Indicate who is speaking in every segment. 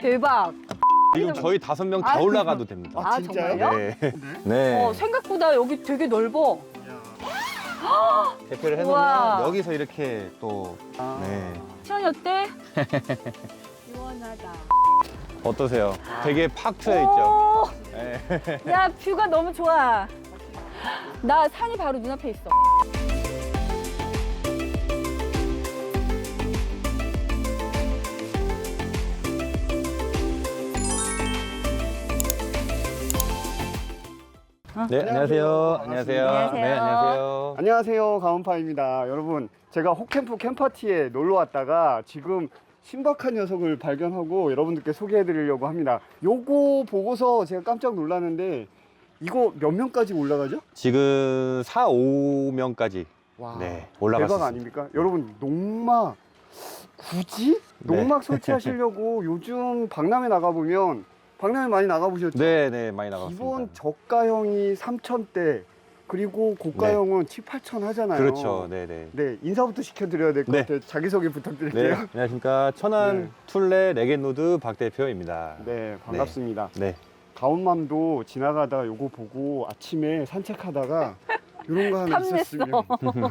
Speaker 1: 대박.
Speaker 2: 지금 저희 5명 다 올라가도 됩니다.
Speaker 1: 아,
Speaker 3: 진짜요?
Speaker 1: 정말요?
Speaker 2: 네. 네.
Speaker 1: 생각보다 여기 되게 넓어.
Speaker 2: 대표를
Speaker 1: 우와.
Speaker 2: 해놓으면 여기서 이렇게 또 네.
Speaker 1: 시원이 어때? 시원하다.
Speaker 2: 어떠세요? 되게 팍 트여 있죠?
Speaker 1: 오,
Speaker 2: 네.
Speaker 1: 야, 뷰가 너무 좋아. 나 산이 바로 눈앞에 있어.
Speaker 2: 네, 안녕하세요. 안녕하세요.
Speaker 1: 안녕하세요.
Speaker 2: 네, 안녕하세요.
Speaker 3: 안녕하세요, 가온파입니다. 여러분, 제가 호캠프 캠파티에 놀러 왔다가 지금 신박한 녀석을 발견하고 여러분들께 소개해 드리려고 합니다. 요거 보고서 제가 깜짝 놀랐는데 이거 몇 명까지 올라가죠?
Speaker 2: 지금 4, 5명까지
Speaker 3: 와,
Speaker 2: 네, 올라갈 수
Speaker 3: 대박
Speaker 2: 있습니다.
Speaker 3: 아닙니까? 여러분, 농막 굳이
Speaker 2: 네.
Speaker 3: 농막 설치하시려고 요즘 박람회 나가보면 박람회 많이 나가보셨죠?
Speaker 2: 네, 네, 많이 나갔습니다.
Speaker 3: 기본 저가형이 3,000대 그리고 고가형은 7, 8천 하잖아요.
Speaker 2: 그렇죠. 네, 네.
Speaker 3: 네, 인사부터 시켜드려야 될 것
Speaker 2: 네.
Speaker 3: 같아요. 자기소개 부탁드릴게요.
Speaker 2: 네, 안녕하십니까. 천안
Speaker 3: 네.
Speaker 2: 툴레 레겐노드 박 대표입니다.
Speaker 3: 네, 반갑습니다.
Speaker 2: 네.
Speaker 3: 가온맘도 지나가다가 요거 보고 아침에 산책하다가 이런 거 하나
Speaker 1: 탐냈어.
Speaker 3: 있었으면.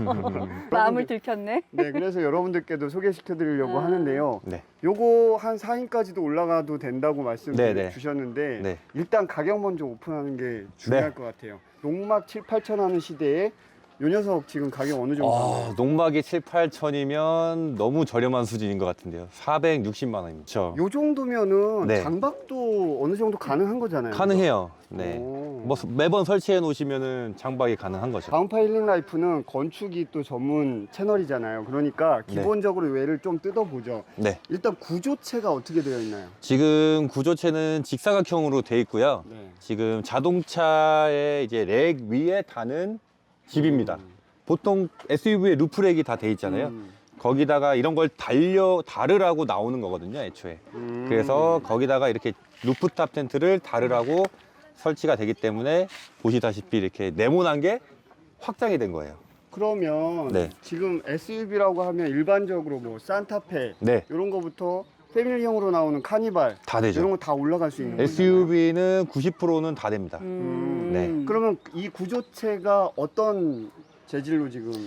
Speaker 1: 마음을 들켰네.
Speaker 3: 네, 그래서 여러분들께도 소개시켜드리려고 하는데요.
Speaker 2: 네.
Speaker 3: 요거 한 4인까지도 올라가도 된다고 말씀
Speaker 2: 네.
Speaker 3: 주셨는데
Speaker 2: 네.
Speaker 3: 일단 가격 먼저 오픈하는 게 중요할
Speaker 2: 네.
Speaker 3: 것 같아요. 농막 7, 8천 하는 시대에 요 녀석 지금 가격 어느 정도 하나요?
Speaker 2: 농막이 7, 8천이면 너무 저렴한 수준인 것 같은데요. 460만 원입니다. 그렇죠.
Speaker 3: 요 정도면은
Speaker 2: 네.
Speaker 3: 장박도 어느 정도 가능한 거잖아요.
Speaker 2: 가능해요. 네.
Speaker 3: 오.
Speaker 2: 뭐 매번 설치해 놓으시면은 장박이 가능한 거죠.
Speaker 3: 가온파 힐링 라이프는 건축이 또 전문 채널이잖아요. 그러니까
Speaker 2: 네.
Speaker 3: 기본적으로 외를 좀 뜯어보죠.
Speaker 2: 네.
Speaker 3: 일단 구조체가 어떻게 되어 있나요?
Speaker 2: 지금 구조체는 직사각형으로 돼 있고요.
Speaker 3: 네.
Speaker 2: 지금 자동차의 이제 렉 위에 다는 집입니다. 보통 SUV에 루프렉이 다 돼 있잖아요. 거기다가 이런 걸 다르라고 나오는 거거든요, 애초에. 그래서 거기다가 이렇게 루프탑 텐트를 다르라고 설치가 되기 때문에 보시다시피 이렇게 네모난 게 확장이 된 거예요.
Speaker 3: 그러면
Speaker 2: 네.
Speaker 3: 지금 SUV라고 하면 일반적으로 뭐 산타페
Speaker 2: 네,
Speaker 3: 이런 거부터 패밀리형으로 나오는 카니발
Speaker 2: 다 되죠.
Speaker 3: 이런 거 다 올라갈 수 있는 거잖아요.
Speaker 2: SUV는 90%는 다 됩니다. 네.
Speaker 3: 그러면 이 구조체가 어떤 재질로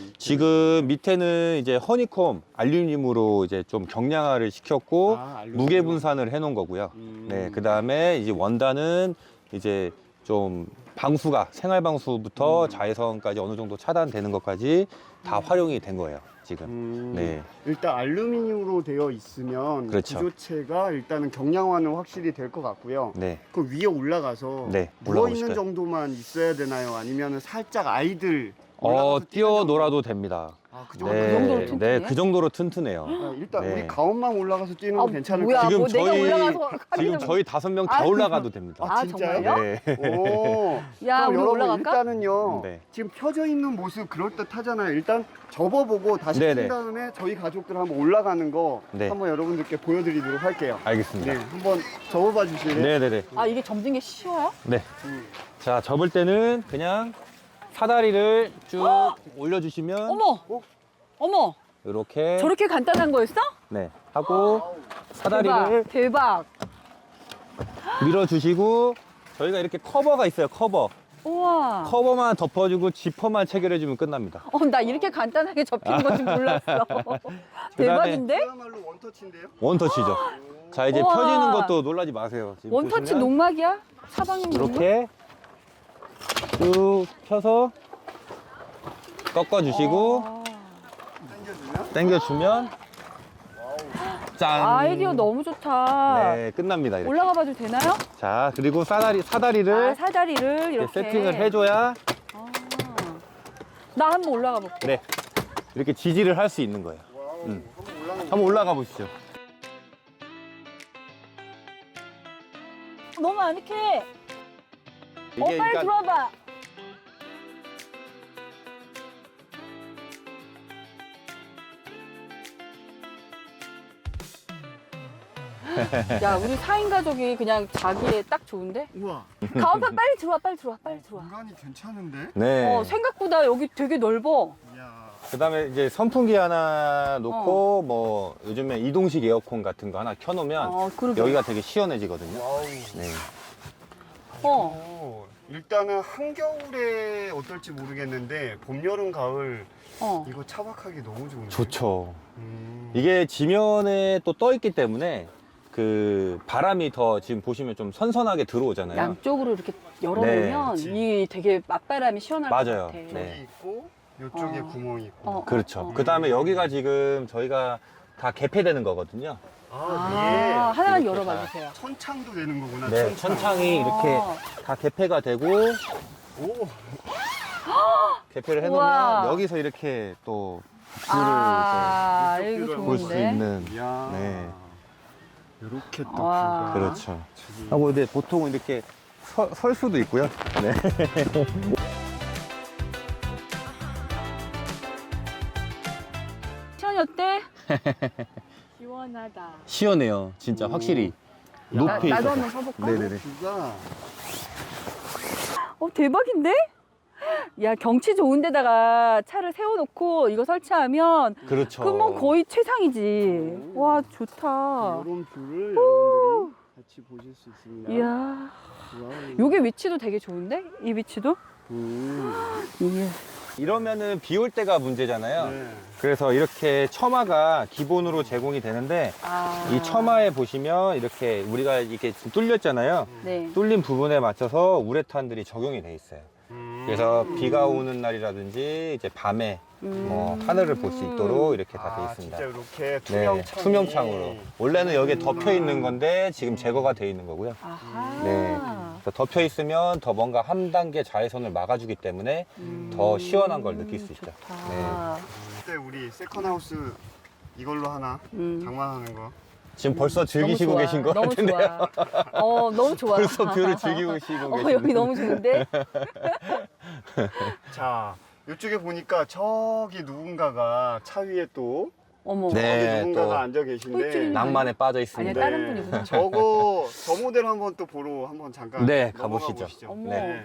Speaker 2: 지금 밑에는 이제 허니콤 알루미늄으로 이제 좀 경량화를 시켰고
Speaker 3: 알루미늄.
Speaker 2: 무게 분산을 해 놓은 거고요. 네, 그 다음에 이제 원단은 이제 좀 방수가 생활 방수부터 자외선까지 어느 정도 차단되는 것까지 다 활용이 된 거예요, 지금. 네,
Speaker 3: 일단 알루미늄으로 되어 있으면
Speaker 2: 그렇죠.
Speaker 3: 구조체가 일단은 경량화는 확실히 될 것 같고요.
Speaker 2: 네,
Speaker 3: 그 위에 올라가서
Speaker 2: 네,
Speaker 3: 누워 있는
Speaker 2: 올라가실까요?
Speaker 3: 정도만 있어야 되나요? 아니면 살짝 아이들 올라가서
Speaker 2: 뛰어
Speaker 3: 뛰는
Speaker 2: 놀아도 됩니다.
Speaker 3: 아, 그 정도.
Speaker 2: 네,
Speaker 1: 그 정도로 튼튼해?
Speaker 2: 네, 그 정도로 튼튼해요.
Speaker 3: 일단
Speaker 2: 네.
Speaker 3: 우리 가온만 올라가서 뛰는 거 괜찮을까요?
Speaker 1: 뭐야,
Speaker 2: 지금
Speaker 1: 뭐 내가
Speaker 2: 저희-
Speaker 1: 올라가서
Speaker 2: 지금 저희 5명 다
Speaker 1: 아,
Speaker 2: 올라가도 됩니다.
Speaker 1: 아,
Speaker 3: 진짜요?
Speaker 1: 정말요?
Speaker 2: 네.
Speaker 3: 오.
Speaker 1: 야,
Speaker 3: 그럼
Speaker 1: 우리
Speaker 3: 여러분
Speaker 1: 올라갈까?
Speaker 3: 일단은요.
Speaker 2: 네.
Speaker 3: 지금 펴져 있는 모습 그럴듯하잖아요. 일단 접어보고 다시
Speaker 2: 네네.
Speaker 3: 핀 다음에 저희 가족들 한번 올라가는 거
Speaker 2: 네.
Speaker 3: 한번 여러분들께 보여드리도록 할게요.
Speaker 2: 알겠습니다.
Speaker 3: 네, 한번 접어봐 주실래요?
Speaker 2: 네네네.
Speaker 1: 아, 이게 접는 게 쉬워요?
Speaker 2: 네.
Speaker 3: 음.
Speaker 2: 자, 접을 때는 그냥 사다리를 쭉 올려주시면
Speaker 1: 어머! 어머!
Speaker 2: 이렇게
Speaker 1: 저렇게 간단한 거였어?
Speaker 2: 네 하고 사다리를
Speaker 1: 대박.
Speaker 2: 밀어주시고 저희가 이렇게 커버가 있어요.
Speaker 1: 우와.
Speaker 2: 커버만 덮어주고 지퍼만 체결해주면 끝납니다.
Speaker 1: 나 이렇게 간단하게 접히는 건 줄 몰랐어.
Speaker 2: 그다음에
Speaker 1: 대박인데?
Speaker 3: 그야말로 원터치인데요?
Speaker 2: 원터치죠. 자, 이제
Speaker 1: 우와.
Speaker 2: 펴지는 것도 놀라지 마세요. 지금
Speaker 1: 원터치
Speaker 2: 보시면
Speaker 1: 농막이야? 사방님
Speaker 2: 이렇게 쭉 펴서 꺾어주시고
Speaker 3: 당겨주면
Speaker 2: 당겨주면 짠.
Speaker 1: 아이디어 너무 좋다.
Speaker 2: 네, 끝납니다. 이렇게.
Speaker 1: 올라가 봐도 되나요?
Speaker 2: 자, 그리고 사다리를
Speaker 1: 아, 사다리를
Speaker 2: 이렇게
Speaker 1: 이렇게
Speaker 2: 세팅을 해줘야
Speaker 1: 아. 나 한번 올라가 볼게.
Speaker 2: 네 이렇게 지지를 할 수 있는 거예요.
Speaker 3: 와우, 한번 올라가는
Speaker 2: 한번 올라가 보시죠.
Speaker 1: 너무 아늑해.
Speaker 2: 이게
Speaker 1: 빨리 들어와봐. 야, 우리 4인 가족이 그냥 자기에 딱 좋은데?
Speaker 3: 우와,
Speaker 1: 가온파 빨리 들어와.
Speaker 3: 공간이 괜찮은데?
Speaker 2: 네.
Speaker 1: 생각보다 여기 되게 넓어.
Speaker 3: 이야.
Speaker 2: 그다음에 이제 선풍기 하나 놓고 뭐 요즘에 이동식 에어컨 같은 거 하나 켜놓으면
Speaker 1: 그러게.
Speaker 2: 여기가 되게 시원해지거든요.
Speaker 3: 와우.
Speaker 2: 네.
Speaker 3: 일단은 한겨울에 어떨지 모르겠는데 봄, 여름, 가을 이거 차박하기 너무 좋은데.
Speaker 2: 좋죠. 이게 지면에 또 떠 있기 때문에 그 바람이 더 지금 보시면 좀 선선하게 들어오잖아요.
Speaker 1: 양쪽으로 이렇게 열어놓으면
Speaker 3: 네,
Speaker 1: 이 되게 맞바람이 시원할
Speaker 2: 맞아요.
Speaker 1: 것 같아.
Speaker 3: 여기
Speaker 2: 네.
Speaker 3: 있고 이쪽에 구멍이 있고.
Speaker 2: 그렇죠. 그다음에 여기가 지금 저희가 다 개폐되는 거거든요.
Speaker 3: 아,
Speaker 1: 하나만
Speaker 2: 이렇게
Speaker 1: 열어봐
Speaker 2: 다.
Speaker 1: 주세요.
Speaker 3: 천창도 되는 거구나.
Speaker 2: 네, 천창이 이렇게 다 개폐가 되고
Speaker 3: 오.
Speaker 2: 개폐를 해놓으면
Speaker 1: 우와.
Speaker 2: 여기서 이렇게 또 뷰를
Speaker 3: 이제
Speaker 1: 이거
Speaker 3: 이쪽
Speaker 2: 볼 수
Speaker 1: 좋은데.
Speaker 2: 있는.
Speaker 3: 이야.
Speaker 2: 네.
Speaker 3: 이렇게 또
Speaker 1: 와.
Speaker 3: 뷰가.
Speaker 2: 그렇죠. 하고 근데 보통 이렇게 설 수도 있고요. 네.
Speaker 1: 시원이 어때? 시원하다.
Speaker 2: 시원해요. 진짜 확실히 높이
Speaker 1: 나도
Speaker 2: 있어서.
Speaker 1: 한번 서볼까?
Speaker 2: 네네네.
Speaker 3: 뷰가
Speaker 1: 대박인데? 야, 경치 좋은 데다가 차를 세워놓고 이거 설치하면
Speaker 2: 그렇죠.
Speaker 1: 그뭐 거의 최상이지. 와, 좋다.
Speaker 3: 이런 뷰를 여러분들이 같이 보실 수 있습니다.
Speaker 1: 이야.
Speaker 3: 와우.
Speaker 1: 요게 위치도 되게 좋은데? 이 위치도? 이게.
Speaker 2: 이러면은 비 올 때가 문제잖아요.
Speaker 3: 네.
Speaker 2: 그래서 이렇게 처마가 기본으로 제공이 되는데 이 처마에 보시면 이렇게 우리가 이렇게 지금 뚫렸잖아요.
Speaker 1: 네.
Speaker 2: 뚫린 부분에 맞춰서 우레탄들이 적용이 돼 있어요. 그래서 비가 오는 날이라든지 이제 밤에 뭐 하늘을 볼 수 있도록 이렇게 다 돼 있습니다.
Speaker 3: 진짜 이렇게
Speaker 2: 네, 투명창으로. 원래는 여기에 덮여 있는 건데 지금
Speaker 3: 음.
Speaker 2: 제거가 돼 있는 거고요.
Speaker 1: 아하.
Speaker 2: 네. 그래서 덮여 있으면 더 뭔가 한 단계 자외선을 막아주기 때문에 더 시원한 걸 느낄 수 있죠.
Speaker 1: 좋다.
Speaker 3: 그때 우리 세컨하우스 이걸로 하나 장만하는 거.
Speaker 2: 지금 벌써 즐기시고
Speaker 1: 너무 좋아.
Speaker 2: 계신 것
Speaker 1: 너무
Speaker 2: 같은데요.
Speaker 1: 좋아. 너무 좋아.
Speaker 2: 벌써 뷰를 즐기고 계시는
Speaker 1: 여기 너무 좋은데?
Speaker 3: 자, 이쪽에 보니까 저기 누군가가 차 위에 또
Speaker 1: 어머.
Speaker 2: 네.
Speaker 3: 저기 누군가가
Speaker 2: 또
Speaker 3: 앉아 계신데
Speaker 1: 홀쭉이
Speaker 2: 낭만에 빠져
Speaker 1: 아니야,
Speaker 2: 있습니다.
Speaker 1: 다른 분이구나.
Speaker 3: 저거 저 모델 한번 또 보러 한번 잠깐
Speaker 2: 네,
Speaker 3: 넘어가
Speaker 2: 가보시죠.
Speaker 3: 보시죠.
Speaker 1: 어머.
Speaker 3: 네.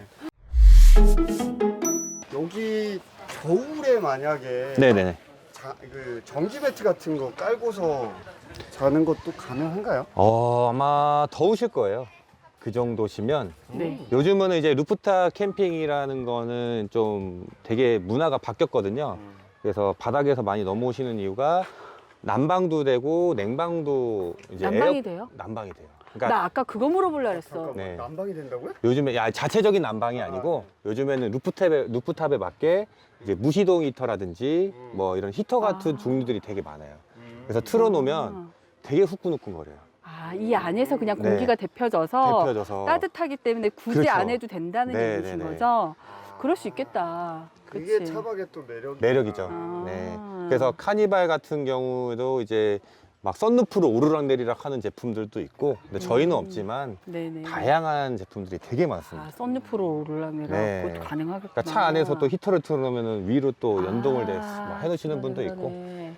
Speaker 3: 여기 겨울에 만약에
Speaker 2: 네네.
Speaker 3: 그 전기 배트 같은 거 깔고서 자는 것도 가능한가요?
Speaker 2: 아마 더우실 거예요. 그 정도시면.
Speaker 1: 네.
Speaker 2: 요즘은 이제 루프탑 캠핑이라는 거는 좀 되게 문화가 바뀌었거든요. 그래서 바닥에서 많이 넘어오시는 이유가 난방도 되고 냉방도 이제
Speaker 1: 난방이 돼요?
Speaker 2: 난방이 돼요. 그러니까
Speaker 1: 나 아까 그거 물어보려 그랬어.
Speaker 3: 잠깐만,
Speaker 2: 네.
Speaker 3: 난방이 된다고요?
Speaker 2: 요즘에 자체적인 난방이 아니고 요즘에는 루프탑에 맞게 이제 무시동 히터라든지 뭐 이런 히터 같은 종류들이 되게 많아요. 그래서 틀어놓으면 되게 후끈후끈거려요.
Speaker 1: 이 안에서 그냥
Speaker 2: 네.
Speaker 1: 공기가 데펴져서
Speaker 2: 데펴져서
Speaker 1: 따뜻하기 때문에 굳이
Speaker 2: 그렇죠.
Speaker 1: 안 해도 된다는
Speaker 2: 네,
Speaker 1: 얘기신
Speaker 2: 네, 네.
Speaker 1: 거죠? 그럴 수 있겠다.
Speaker 3: 그게
Speaker 1: 그치?
Speaker 3: 차박의 또
Speaker 2: 매력이죠.
Speaker 1: 아.
Speaker 2: 네. 그래서 카니발 같은 경우도 이제 막 썬루프로 오르락내리락 하는 제품들도 있고, 근데 저희는 없지만
Speaker 1: 네네.
Speaker 2: 다양한 제품들이 되게 많습니다.
Speaker 1: 썬루프로 오르락내락
Speaker 2: 네.
Speaker 1: 그것도 가능하겠구나.
Speaker 2: 그러니까 차 안에서 또 히터를 틀어놓으면 위로 또 연동을 해놓으시는
Speaker 1: 그러네,
Speaker 2: 분도 있고.
Speaker 1: 그러네.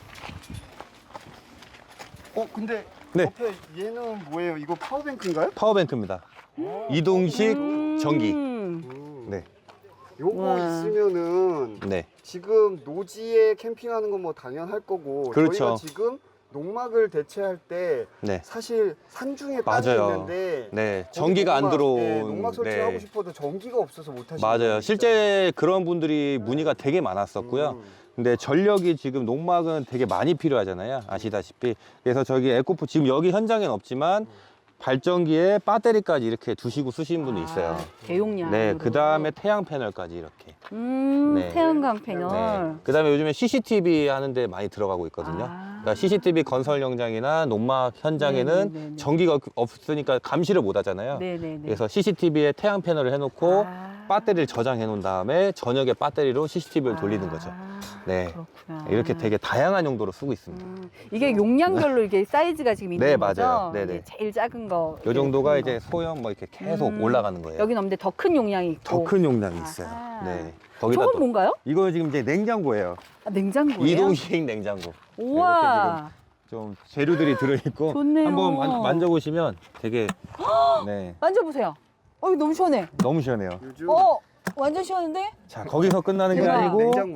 Speaker 3: 근데
Speaker 2: 네.
Speaker 3: 옆에 얘는 뭐예요? 이거 파워뱅크인가요?
Speaker 2: 파워뱅크입니다. 이동식 전기. 네.
Speaker 3: 요거
Speaker 1: 와.
Speaker 3: 있으면은
Speaker 2: 네.
Speaker 3: 지금 노지에 캠핑하는 건 뭐 당연할 거고
Speaker 2: 그렇죠.
Speaker 3: 저희가 지금 농막을 대체할 때
Speaker 2: 네.
Speaker 3: 사실 산중에 땅이
Speaker 2: 맞아요.
Speaker 3: 있는데
Speaker 2: 네.
Speaker 3: 거기
Speaker 2: 전기가 안
Speaker 3: 농막,
Speaker 2: 들어온.
Speaker 3: 네, 농막 설치하고
Speaker 2: 네.
Speaker 3: 싶어도 전기가 없어서 못 하시는
Speaker 2: 맞아요.
Speaker 3: 분들
Speaker 2: 실제 그런 분들이 문의가 되게 많았었고요. 근데 전력이 지금 농막은 되게 많이 필요하잖아요. 아시다시피. 그래서 저기 에코프 지금 여기 현장엔 없지만 발전기에 배터리까지 이렇게 두시고 쓰시는 분이 있어요.
Speaker 1: 대용량.
Speaker 2: 네. 그 다음에 태양 패널까지 이렇게. 네.
Speaker 1: 태양광 패널.
Speaker 2: 네. 그 다음에 요즘에 CCTV 하는데 많이 들어가고 있거든요. 그러니까 CCTV 건설 현장이나 농막 현장에는
Speaker 1: 네네네네.
Speaker 2: 전기가 없으니까 감시를 못 하잖아요.
Speaker 1: 네네네.
Speaker 2: 그래서 CCTV에 태양 패널을 해놓고 배터리를 저장해 놓은 다음에 저녁에 배터리로 CCTV를 돌리는 거죠. 네.
Speaker 1: 그렇구나.
Speaker 2: 이렇게 되게 다양한 용도로 쓰고 있습니다.
Speaker 1: 이게 용량별로 이게 사이즈가 지금 있는
Speaker 2: 네,
Speaker 1: 거죠?
Speaker 2: 맞아요. 네네.
Speaker 1: 이게 제일 작은 거.
Speaker 2: 이 정도가
Speaker 1: 이렇게
Speaker 2: 이제 소형 뭐 이렇게 계속
Speaker 1: 음.
Speaker 2: 올라가는 거예요.
Speaker 1: 여긴 없는데 더 큰 용량이 있고.
Speaker 2: 더 큰 용량이 있어요.
Speaker 1: 아하.
Speaker 2: 네. 거기다
Speaker 1: 저건
Speaker 2: 또
Speaker 1: 뭔가요?
Speaker 2: 이거 지금 이제 냉장고예요.
Speaker 1: 냉장고예요?
Speaker 2: 이동식 냉장고.
Speaker 1: 우와.
Speaker 2: 좀 재료들이 들어있고
Speaker 1: 좋네요.
Speaker 2: 한번 만져보시면 되게 네
Speaker 1: 만져보세요. 이거 너무 시원해.
Speaker 2: 너무 시원해요.
Speaker 3: 요즘
Speaker 1: 완전 시원한데?
Speaker 2: 자 거기서 끝나는 게
Speaker 1: 대박.
Speaker 2: 아니고
Speaker 3: 냉장고인데?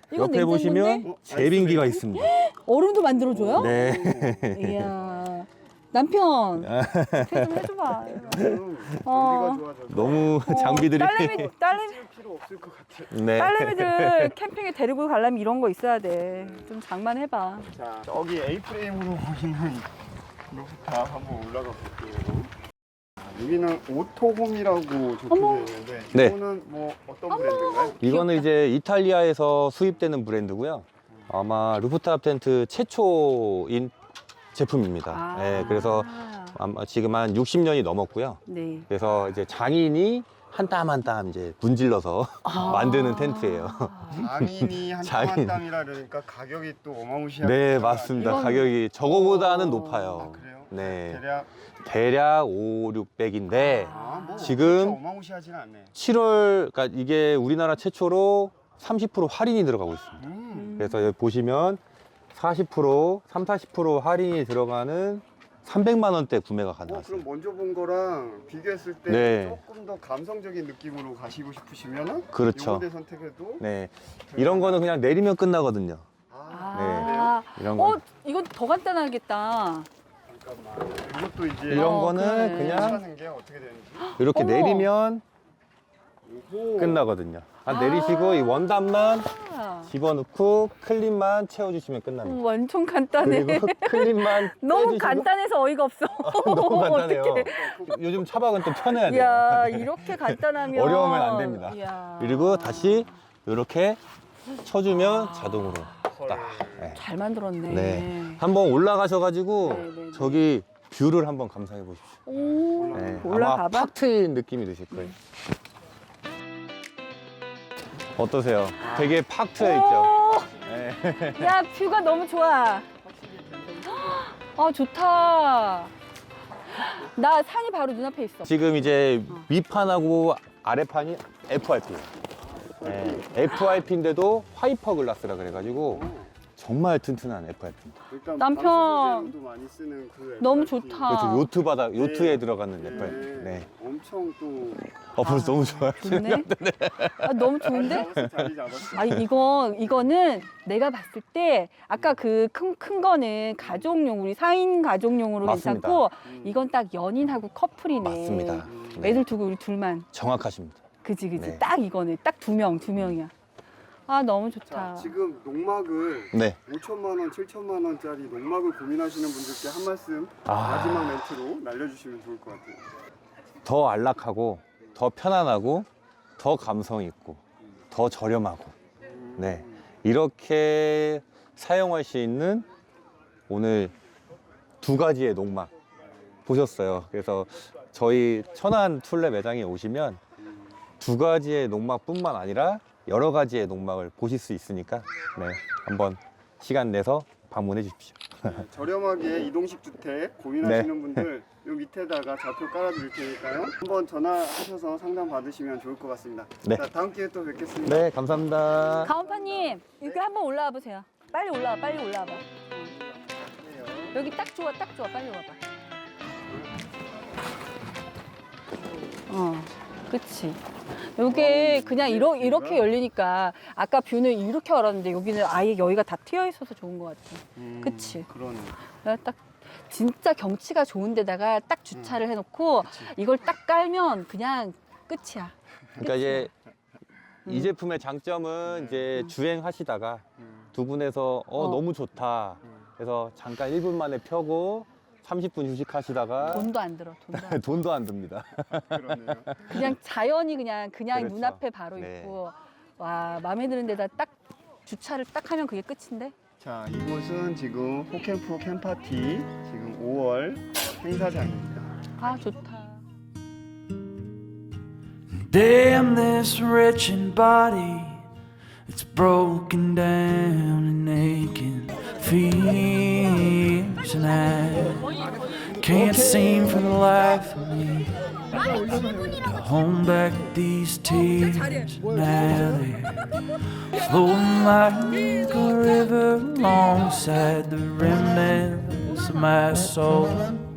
Speaker 1: 이건
Speaker 2: 옆에 보시면
Speaker 1: 냉장고인데?
Speaker 2: 제빙기가 있습니다.
Speaker 1: 얼음도 만들어줘요?
Speaker 2: 네.
Speaker 1: 이야. 남편, 좀 해줘봐. 어.
Speaker 3: 공기가 좋아져서
Speaker 2: 너무 장비들이.
Speaker 1: 딸내미,
Speaker 3: 쓸 필요 없을 것 같아.
Speaker 2: 네.
Speaker 1: 딸내미들 캠핑에 데리고 가려면 이런 거 있어야 돼. 좀 장만해봐.
Speaker 3: 자, 저기 A 프레임으로 보이는 루프탑 한번 올라가 볼게요. 여기는 오토홈이라고 적혀져 있는데
Speaker 2: 네.
Speaker 3: 이거는 뭐 어떤 브랜드인가요?
Speaker 2: 이거는 이제 이탈리아에서 수입되는 브랜드고요. 아마 루프탑 텐트 최초인 제품입니다.
Speaker 1: 아.
Speaker 2: 네, 그래서 아마 지금 한 60년이 넘었고요.
Speaker 1: 네.
Speaker 2: 그래서 이제 장인이 한 땀 한 땀 이제 문질러서 만드는 텐트예요.
Speaker 3: 장인이 한 땀
Speaker 2: 장인.
Speaker 3: 한 땀이라 그러니까 가격이 또 어마무시하게
Speaker 2: 네, 맞습니다.
Speaker 1: 이건-
Speaker 2: 가격이 저거보다는
Speaker 1: 어.
Speaker 2: 높아요.
Speaker 3: 아, 그래요?
Speaker 2: 네.
Speaker 3: 대략
Speaker 2: 대략 5, 600인데
Speaker 3: 뭐
Speaker 2: 지금
Speaker 3: 그렇게 어마무시하진 않네.
Speaker 2: 7월, 그러니까 이게 우리나라 최초로 30% 할인이 들어가고 있습니다. 그래서 여기 보시면 40%, 40% 할인이 들어가는 300만 원대 구매가 가능하세요.
Speaker 3: 그럼 먼저 본 거랑 비교했을 때
Speaker 2: 네.
Speaker 3: 조금 더 감성적인 느낌으로 가시고 싶으시면은
Speaker 2: 그렇죠.
Speaker 3: 요거대 선택해도
Speaker 2: 네. 이런 거는 그냥 내리면 끝나거든요.
Speaker 1: 아,
Speaker 2: 이런 거.
Speaker 1: 이건 더 간단하겠다.
Speaker 3: 잠깐만. 이것도 이제
Speaker 2: 이런 거는
Speaker 1: 그래.
Speaker 2: 그냥
Speaker 3: 하는 게 어떻게 되는지.
Speaker 2: 이렇게
Speaker 1: 어머.
Speaker 2: 내리면
Speaker 3: 오호.
Speaker 2: 끝나거든요. 내리시고 이 원단만
Speaker 1: 아,
Speaker 2: 집어넣고 클립만 채워주시면 끝납니다.
Speaker 1: 완전 간단해.
Speaker 2: 그리고 클립만
Speaker 1: 너무
Speaker 2: 빼주시고
Speaker 1: 간단해서 어이가 없어.
Speaker 2: 너무 간단해요.
Speaker 1: 어떡해.
Speaker 2: 요즘 차박은 또 편해야 돼요.
Speaker 1: 이야, 이렇게 간단하면
Speaker 2: 어려우면 안 됩니다.
Speaker 1: 이야.
Speaker 2: 그리고 다시 이렇게 쳐주면 자동으로 딱. 네.
Speaker 1: 잘 만들었네.
Speaker 2: 네. 한번 올라가셔가지고
Speaker 1: 네, 네, 네.
Speaker 2: 저기 뷰를 한번 감상해 보십시오.
Speaker 1: 오,
Speaker 2: 네. 아마
Speaker 1: 올라가봐.
Speaker 2: 팍 트인 느낌이 드실 거예요. 어떠세요? 되게 팍 트여 있죠? 네.
Speaker 1: 야, 뷰가 너무 좋아. 아, 좋다. 나 산이 바로 눈앞에 있어.
Speaker 2: 지금 이제 위판하고 아래판이 FRP예요. 네. FRP인데도 하이퍼 글라스라 그래가지고 정말 튼튼한 FRP입니다.
Speaker 3: 일단
Speaker 1: 남편.
Speaker 3: 방수제도 많이 쓰는 그
Speaker 1: 너무
Speaker 3: FRP.
Speaker 1: 좋다.
Speaker 2: 그렇죠. 요트 바닥,
Speaker 3: 네.
Speaker 2: 요트에 들어가는 FRP. 네.
Speaker 3: 엄청 또
Speaker 2: 벌써 너무 좋아요.
Speaker 1: 좋네. 아, 너무 좋은데?
Speaker 3: 자리 잡았어.
Speaker 1: 아, 이거는 내가 봤을 때 아까 그 큰 거는 가족용, 우리 4인 가족용으로
Speaker 2: 맞습니다.
Speaker 1: 괜찮고 이건 딱 연인하고 커플이네.
Speaker 2: 맞습니다. 네.
Speaker 1: 애들 두고 우리 둘만.
Speaker 2: 정확하십니다.
Speaker 1: 그지.
Speaker 2: 네.
Speaker 1: 딱 이거네. 딱 두 명이야. 아, 너무 좋다.
Speaker 3: 자, 지금 농막을
Speaker 2: 네.
Speaker 3: 5천만 원, 7천만 원짜리 농막을 고민하시는 분들께 한 말씀
Speaker 2: 아.
Speaker 3: 마지막 멘트로 날려주시면 좋을 것 같아요.
Speaker 2: 더 안락하고, 더 편안하고, 더 감성 있고, 더 저렴하고, 네. 이렇게 사용할 수 있는 오늘 두 가지의 농막 보셨어요. 그래서 저희 천안 툴레 매장에 오시면 두 가지의 농막뿐만 아니라 여러 가지의 농막을 보실 수 있으니까 네, 한번 시간 내서 방문해 주십시오.
Speaker 3: 저렴하게 이동식 주택 고민하시는
Speaker 2: 네.
Speaker 3: 분들 요 밑에다가 좌표 깔아드릴 테니까요. 한번 전화하셔서 상담 받으시면 좋을 것 같습니다.
Speaker 2: 네.
Speaker 3: 자, 다음 기회에 또 뵙겠습니다.
Speaker 2: 네, 감사합니다.
Speaker 1: 가온파님, 여기 한번 올라와 보세요. 빨리 올라와. 여기 딱 좋아. 빨리 와봐. 그치. 요게 그냥 이렇게 열리니까 아까 뷰는 이렇게 열었는데 여기는 아예 여기가 다 트여 있어서 좋은 것 같아. 그치.
Speaker 3: 그러네.
Speaker 1: 내가 딱 진짜 경치가 좋은 데다가 딱 주차를 해놓고 이걸 딱 깔면 그냥 끝이야.
Speaker 2: 그러니까 이제 이 제품의 장점은 이제 주행하시다가 두 분에서 너무 좋다. 그래서 잠깐 1분 만에 펴고 30분 휴식하시다가
Speaker 1: 돈도 안 들어.
Speaker 2: 돈도 안 듭니다.
Speaker 3: 그러네요.
Speaker 1: 그냥 자연이 그냥
Speaker 2: 그렇죠.
Speaker 1: 눈앞에 바로
Speaker 2: 네.
Speaker 1: 있고 와 마음에 드는 데다 딱 주차를 딱 하면 그게 끝인데.
Speaker 3: 자, 이곳은 지금 호캠프 캠파티 지금 5월 행사장입니다.
Speaker 1: 아 좋다.
Speaker 4: Damn this wretched body, it's broken down and aching, fears, and I can't seem for the life of me to hold back these tears. Now they're flowing like a river alongside the remnants of my soul.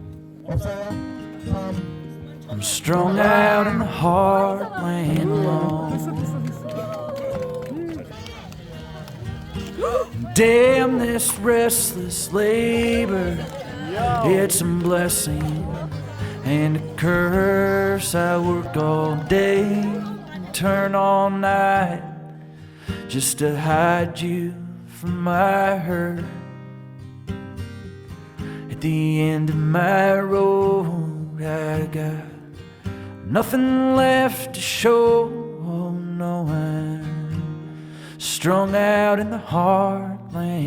Speaker 4: I'm strung out in the heartland alone. Damn this restless labor, it's a blessing and a curse. I work all day and turn all night just to hide you from my hurt. At the end of my road, I got nothing left to show. Oh no, I'm strung out in the heartland.